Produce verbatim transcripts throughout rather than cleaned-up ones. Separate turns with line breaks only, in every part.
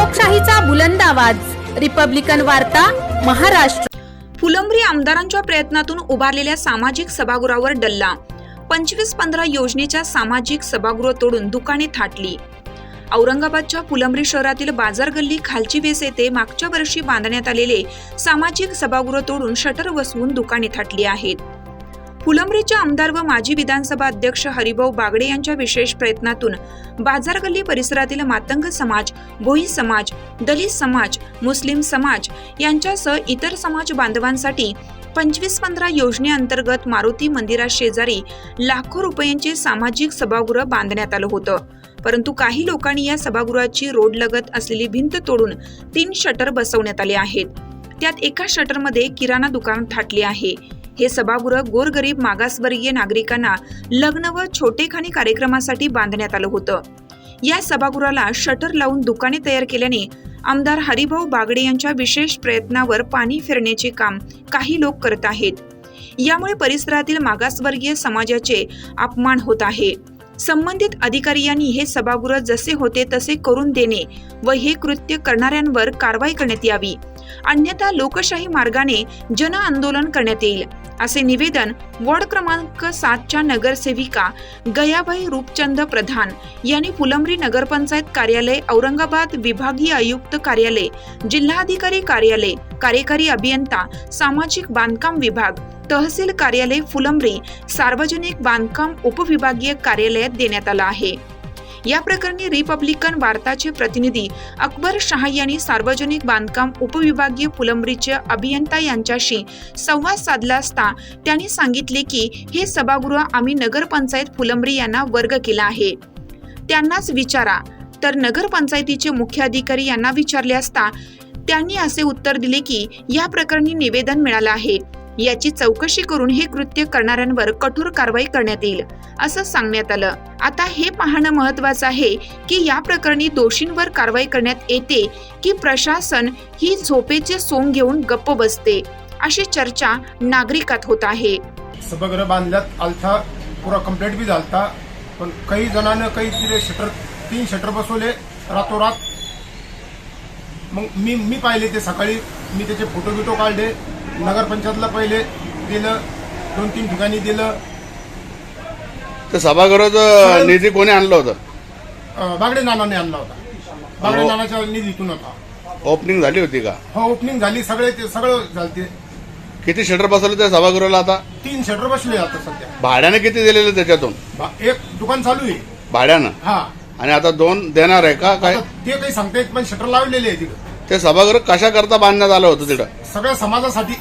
लोकशाहीचा बुलंद आवाज, रिपब्लिकन वार्ता, महाराष्ट्र।
फुलंब्री आमदारांच्या प्रयत्नातून उभारलेल्या सामाजिक सभागृहावर डल्ला। पंचवीस पंधरा योजनेच्या सामाजिक सभागृह तोडून दुकाने थाटली। औरंगाबादच्या फुलंब्री शहरातील बाजार गल्ली खालची वेस येथे मागच्या वर्षी बांधण्यात आलेले सामाजिक सभागृह तोडून शटर बसवून दुकाने थाटली आहेत। फुलंब्रीचे आमदार व माजी विधानसभा अध्यक्ष हरिभाऊ बागडे यांच्या विशेष प्रयत्नातून बाजार गल्ली परिसरातील मातंग समाज, भोई समाज, दलित समाज, मुस्लिम समाज यांच्यासह इतर समाज बांधवांसाठी पंचवीस पंधरा योजनेअंतर्गत मारुती मंदिरा शेजारी लाखो रुपयांचे सामाजिक सभागृह बांधण्यात आलं होतं। परंतु काही लोकांनी या सभागृहाची रोड लगत असलेली भिंत तोडून तीन शटर बसवण्यात आले आहेत। त्यात एका शटरमध्ये किराणा दुकान थाटले आहे। हे सभागृह गोरगरीब मागासवर्गीय नागरिकांना लग्न व छोटेखानी कार्यक्रमासाठी बांधण्यात आलं होतं। या सभागृहाला शटर लावून दुकाने तयार केल्याने आमदार हरिभाऊ बागडे यांच्या विशेष प्रयत्नावर पाणी फिरण्याचे काम काही लोक करत आहेत। यामुळे परिसरातील मागासवर्गीय समाजाचे अपमान होत आहे। संबंधित अधिकारी यांनी हे सभागृह जसे होते तसे करून देणे व हे कृत्य करणाऱ्यांवर कारवाई करण्यात यावी, अन्यथा लोकशाही मार्गाने जन आंदोलन करण्यात येईल, असे निवेदन वॉर्ड क्रमांक सातच्या नगरसेविका गयाबाई रूपचंद प्रधान यांनी फुलंब्री नगरपंचायत कार्यालय, औरंगाबाद विभागीय आयुक्त कार्यालय, जिल्हाधिकारी कार्यालय, कार्यकारी अभियंता, सामाजिक बांधकाम विभाग, तहसील कार्यालय फुलंब्री, सार्वजनिक बांधकाम उपविभागीय कार्यालयात देण्यात आला आहे। या प्रकरणी रिपब्लिकन वार्ताचे प्रतिनिधी अकबर शाह यांनी सार्वजनिक बांधकाम उपविभागीय फुलंब्रीचे अभियंता यांच्याशी संवाद साधला असता त्यांनी सांगितले की हे सभागृह आम्ही नगरपंचायत फुलंब्री यांना वर्ग केला आहे, त्यांनाच विचारा। तर नगरपंचायतीचे मुख्य अधिकारी यांना विचारले असता त्यांनी असे उत्तर दिले की या प्रकरणी निवेदन मिळालं आहे, याची चौकशी करून हे कृत्य करणाऱ्यांवर कठोर कारवाई करण्यात येईल, असं सांगण्यात आलं। आता हे पाहणं महत्त्वाचं आहे की या प्रकरणी दोषींवर कारवाई करण्यात येते की प्रशासन ही झोपेचे सोंग घेऊन गप्प बसते, अशी चर्चा नागरिकात होत आहे।
सभागृह बांधल्यात आलथा, पुरा कंप्लीट बी झालता, पण काही जणांना काही तिथे शटर तीन शटर बसवले रातोरात। मग मी मी पाहिले ते सकाळी, मी त्याचे फोटो बिटो काढले, नगरपंचायतला पहिले दिलं, दोन तीन ठिकाणी दिलं।
तर सभागृहाचा निधी कोणी आणला होता?
बागडे नानाने आणला होता, बागडे नानाच्या निधीतून होता।
ओपनिंग झाली होती का?
हो, ओपनिंग झाली, सगळे ते सगळं झालते।
किती शटर बसवले त्या सभागृहाला? आता
तीन शटर बसले आता सध्या।
भाड्याने किती दिलेले त्याच्यातून?
एक दुकान चालू आहे
भाड्यानं,
हा,
आणि आता दोन देणार आहे का काय?
ते काही सांगता येत, पण शटर लावलेले आहे तिकडे।
ते सभागृह कशा करता बांधण्यात आलं होतं तिथं?
सगळ्या समाजासाठी,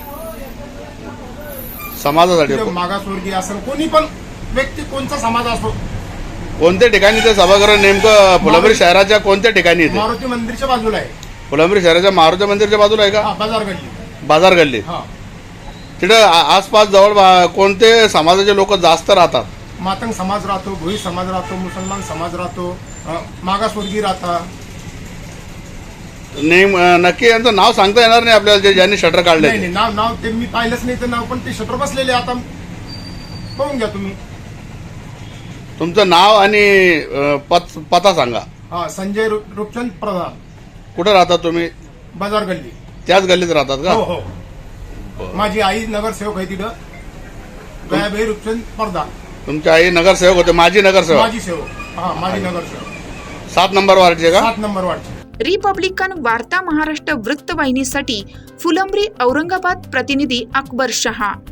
समाजासाठी।
मागासवर्गीय असं कोणी पण व्यक्ती, कोणता समाज असो।
कोणत्या ठिकाणी ते सभागृह नेमकं? फुलंब्री शहराच्या कोणत्या ठिकाणी येते?
मारुती मंदिरच्या बाजूला आहे।
फुलंब्री शहराच्या मारुती मंदिरच्या बाजूला आहे का?
बाजार गल्ली,
बाजार गल्ली। तिथं आसपास जवळ कोणते समाजाचे लोक जास्त राहतात?
मातंग समाज राहतो, भोई समाज राहतो, मुसलमान समाज राहतो, मागासवर्गीय राहतात।
नेम नक्की यांचं नाव सांगता येणार नाही आपल्याला, जे ज्यांनी शटर काढले?
नाही, नाव नाव ते मी पाहिलंच नाही, तर नाव पण ते शटर बसलेले आता पाहून घ्या तुम्ही।
तुमचं नाव आणि पत पता सांगा।
हा, संजय रूपचंद प्रधान।
कुठे राहतात तुम्ही?
बाजार गल्ली।
त्याच गल्लीत राहतात का?
हो हो, माझी आई नगरसेवक आहे तिथं, गयाबाई रूपचंद प्रधान।
तुमची आई नगरसेवक होते? माझी नगरसेवक?
माझी सेवक, हा, माझी नगरसेवक।
सात नंबर वार्डचे का?
सात नंबर वार्डचे।
रिपब्लिकन वार्ता महाराष्ट्र वृत्तवाहिनीसाठी फुलंब्री औरंगाबाद प्रतिनिधी अकबर शहा।